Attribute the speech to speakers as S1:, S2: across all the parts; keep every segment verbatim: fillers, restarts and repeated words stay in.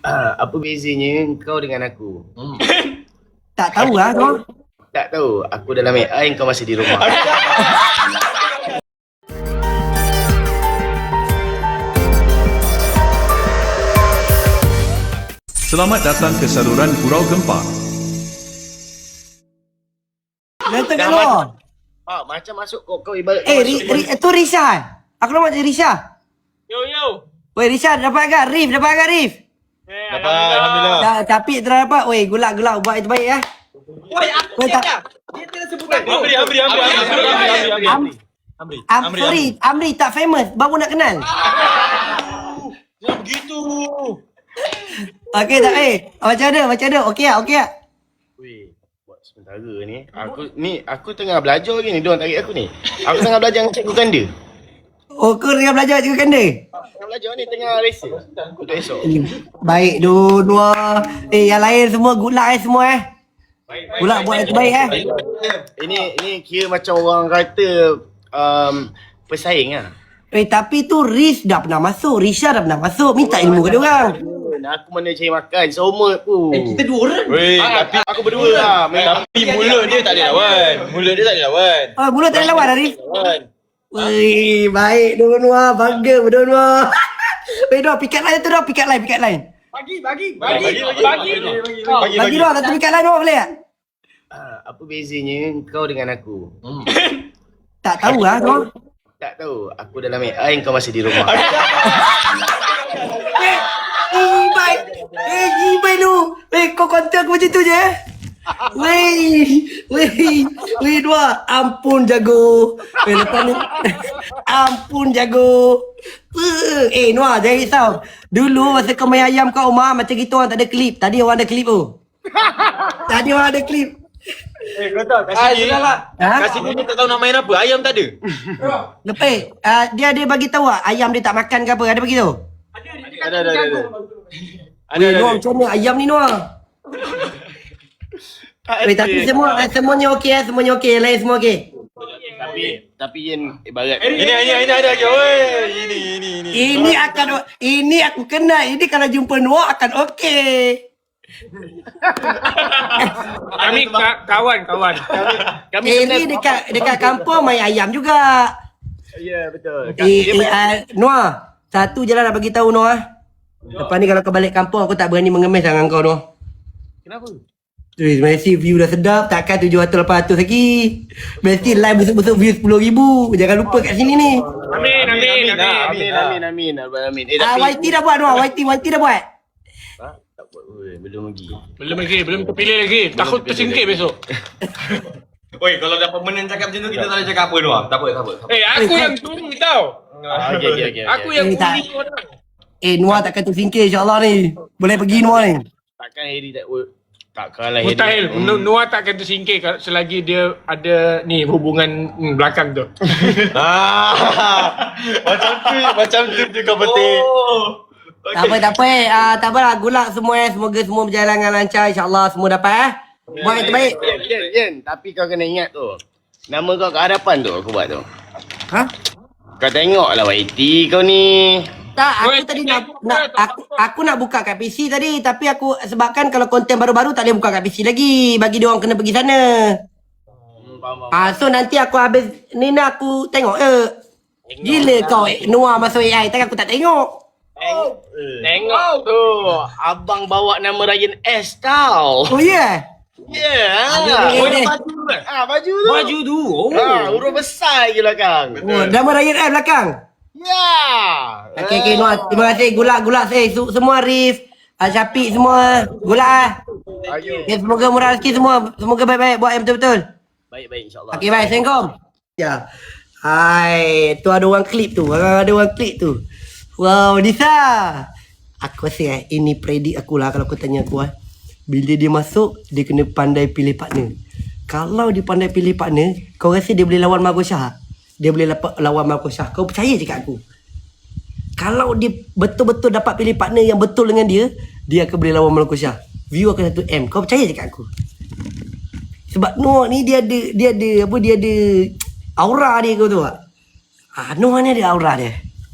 S1: Ah, apa bezanya kau dengan aku?
S2: Hmm.
S3: Tak tahu lah kau.
S1: Tak tahu, aku dalam A I, kau masih di rumah.
S4: Selamat datang ke saluran Gurau Gempa.
S3: Datang kat
S1: Dah
S3: luar.
S1: Ah, macam masuk kau, kau ibarat
S3: Eh,
S1: kau
S3: ri,
S1: masuk.
S3: ri, tu Risha. Aku nama macam Risha.
S2: Yo yo.
S3: Weh Risha, dapat agak Rif, dapat agak Rif.
S2: Eh,
S5: Dapat, Alhamdulillah.
S3: Dah, tapi tak dapat. Weh, gulak-gulak buat itu baik ya.
S2: Woi, aku
S3: Weh, tak.
S2: dia tidak sebut aku.
S5: Amri, Amri, Amri, Amri, Amri, Amri, Amri,
S3: Am,
S5: Amri,
S3: Am,
S5: Amri,
S3: sorry, Amri tak famous. Baru nak kenal.
S5: Jangan begitu.
S3: Okey tak eh? Macam mana? Macam mana? Okey tak? Okey tak?
S1: Weh, buat sementara ni. Aku ni aku tengah belajar lagi ni, diorang tarik aku ni. Aku tengah belajar dengan cikgu ganda.
S3: Oh, kau tengah belajar cikgu kanda?
S1: Tengah belajar ni, tengah resa. Untuk esok.
S3: Baik, dua-dua. Eh, yang lain semua gulak eh semua eh. Gulak buat yang terbaik eh.
S1: Ini ini kira macam orang kata um, pesaing lah.
S3: Eh, tapi tu Riz dah pernah masuk. Risha dah pernah masuk. Minta ilmu ke dia orang.
S1: Aku mana cari makan, semua pun.
S2: Eh, kita dua orang.
S5: Weh,
S1: Ah,
S5: tapi
S1: aku berdua lah. Memang
S5: tapi mulut dia tak ada lawan. Mulut dia tak ada lawan.
S3: Oh, mulut tak ada lawan dah, Riz.
S1: lawan.
S3: Wih, baik dua-dua. Bangga berdua-dua. Weh, dua pikat line tu dah. Pikat line, pikat line.
S2: Bagi, bagi,
S5: Bagi,
S2: bagi,
S5: bagi,
S2: bagi.
S5: bagi.
S3: Bagi,
S5: Bagi,
S3: dua, satu pikat line dua boleh tak?
S1: Ah, apa bezanya kau dengan aku?
S3: Tak tahu lah kau.
S1: Tak tahu, aku dalam A I, kau masih di rumah.
S3: Eh, Ibai. Eh, Ibai lu. Eh, kau kontak aku macam tu je eh. Weh, weh, weh dua. Ampun jago. Weh, lepas ni. Ampun jago. Eh, Noah, jangan risau. Dulu masa kau main ayam kat rumah, macam gitu orang tak ada klip. Tadi orang ada klip tu. Tadi orang ada klip.
S5: Eh, kau tahu kasih ni.
S3: Ha?
S5: Kasih ni tak tahu nak main apa. Ayam tak ada.
S3: Lepas, uh, dia ada bagi tahu tak ayam dia tak makan ke apa? Ada bagi tahu?
S5: Ada, ada, ada. Ada,
S3: Weh,
S5: ada.
S3: Noah macam mana ayam ni Noah? Weh, tapi semua eh, semuanya okey eh, semuanya okey. Lain semua okey.
S1: Tapi tapi Yen ibarat
S5: Ini, ini, ini ada lagi. Weh, ini, ini, ini.
S3: Ini akan ini aku kenal. Ini kalau jumpa Noah akan okey.
S2: Kami ka- kawan, kawan.
S1: kami
S3: Eh,
S1: kenal-
S3: ini dekat dekat kampung main ayam juga.
S1: Ya, betul.
S3: Eh,
S1: Dia
S3: eh,
S1: main-
S3: uh, Noah, satu je lah nak bagi tahu Noah. Lepas ni kalau kau balik kampung aku tak berani mengemis dengan kau Noah.
S1: Kenapa?
S3: Tuh, mesti view dah sedap. Takkan tujuh ratus lapan ratus lagi. Mesti live besok-besok view sepuluh ribu. Jangan lupa kat sini ni.
S2: Amin, amin, amin.
S1: Amin, amin, amin, amin, amin. Eh,
S3: Ah,
S1: tapi...
S3: Y T dah buat Noah. Y T, Y T dah buat.
S1: Ha? Tak buat. Oi, belum lagi.
S2: Belum lagi, belum terpilih lagi. Takut tersingkir besok.
S5: Weh, kalau dapat menang cakap macam tu, kita tak boleh cakap apa, Noah. Tak apa, tak apa. tak apa.
S2: Eh, aku yang tunggu tau.
S1: Ah, okey, okey, okey.
S2: Aku
S1: okey.
S2: yang
S3: Eh, tak.
S2: bully orang.
S3: Eh, Noah takkan tersingkir insyaAllah ni. Boleh pergi Noah ni.
S1: Takkan Harry tak takkan lah Harry.
S2: Mustahil.
S1: Hmm.
S2: Noah tak akan tersingkir kalau- selagi dia ada ni hubungan hmm, belakang tu.
S5: Ah, macam tu, macam tu tu kau petik.
S3: Tak apa, tak apa eh. Ah, tak apalah. Gulak semua eh. Semoga semua berjalan dengan lancar. InsyaAllah semua dapat eh. Buat yang terbaik.
S1: Yen, Yen, Yen, tapi kau kena ingat tu. Nama kau kat hadapan tu aku buat tu.
S3: Ha?
S1: Kau tengoklah Y T kau ni.
S3: Tak, aku
S2: Weh,
S3: tadi
S2: tak
S3: nak,
S2: apa,
S3: nak
S2: tak
S3: aku, aku nak buka kat P C tadi. Tapi aku sebabkan kalau konten baru-baru tak boleh buka kat P C lagi. Bagi dia orang kena pergi sana.
S1: Hmm, faham, faham.
S3: Ah, so nanti aku habis ni nak aku tengok eh. Gila kau eh. Noah masuk A I. Takkan aku tak tengok.
S1: Tengok tu. Abang bawa nama Ryan S tau.
S3: Oh ya?
S1: Ya.
S3: Ada-
S1: Oh,
S3: ada-
S1: dia baju tu. Ah, baju tu.
S2: Baju tu. Oh.
S1: Ah, huruf besar lagi belakang.
S3: Oh, nama Ryan F belakang.
S1: Ya.
S3: Okey, okey Noah. Terima kasih. Gulak-gulak saya. Su- semua Arif. Ah, Syafiq semua. Gulak ah.
S1: Ayo.
S3: Okay, semoga murah rezeki semua. Semoga baik-baik. Buat yang betul-betul.
S1: Baik-baik insyaAllah.
S3: Okey, baik. Assalamualaikum. Ya. Hai. Tu ada orang klip tu. Ada orang klip tu. Wow, Nisa. Aku rasa eh, ini predik aku lah kalau kau tanya aku eh. Bila dia masuk, dia kena pandai pilih partner. Kalau dia pandai pilih partner, kau rasa dia boleh lawan Margo Shah? Dia boleh lapan, lawan Margo Shah. Kau percaya je kat aku. Kalau dia betul-betul dapat pilih partner yang betul dengan dia, dia akan boleh lawan Margo Shah. View akan satu M. Kau percaya je kat aku. Sebab Noah ni dia ada dia ada apa dia ada aura dia kau tahu tak? Ah, Noah ni ada aura dia.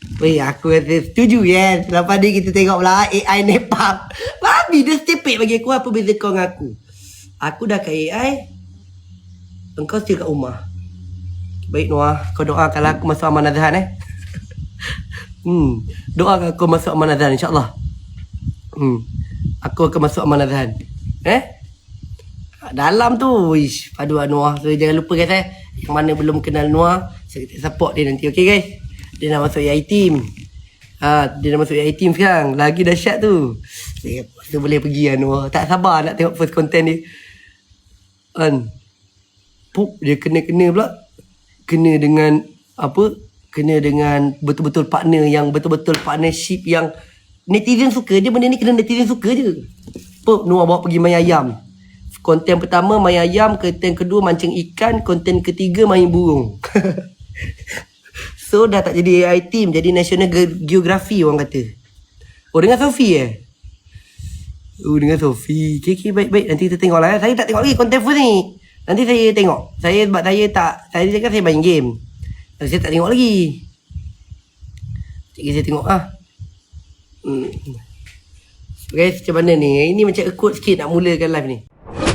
S3: Weh, aku rasa setuju kan. Lepas ni kita tengok pula A I Nepal. Babi dia stupid bagi aku. Apa beza kau dengan aku? Aku dah ke A I. Engkau still kat rumah. Baik Noah, kau doakanlah aku masuk Aman Azhan eh. hmm, doakan aku masuk Aman Azhan insya-Allah. Hmm. Aku akan masuk Aman Azhan. Eh? Dalam tu, wish, paduan Noah. So jangan lupa guys eh. Yang mana belum kenal Noah, saya support dia nanti, okey guys. Dia nak masuk A I team. Ha, dia dah masuk A I team sekarang. Lagi dahsyat tu. Saya rasa boleh pergi kan Noah. Tak sabar nak tengok first content dia. Kan. Pup, dia kena-kena pula. Kena dengan apa? Kena dengan betul-betul partner yang betul-betul partnership yang netizen suka. Dia benda ni kena netizen suka je. Pup, Noah bawa pergi main ayam. Konten pertama main ayam, konten kedua mancing ikan, konten ketiga main burung. So dah tak jadi A I team, jadi National Geography orang kata. Oh dengan Sophie eh? Oh dengan Sophie. Okay, okay baik-baik. Nanti kita tengok lah eh. Saya tak tengok lagi konten first ni. Nanti saya tengok. Saya sebab saya tak, saya cakap saya main game. Nanti saya tak tengok lagi. Sekejap saya tengok ah. Hmm. Guys macam mana ni? Ini macam akut sikit nak mulakan live ni.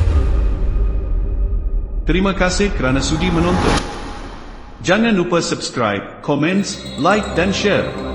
S4: Terima kasih kerana sudi menonton. Jangan lupa subscribe, komen, like dan share.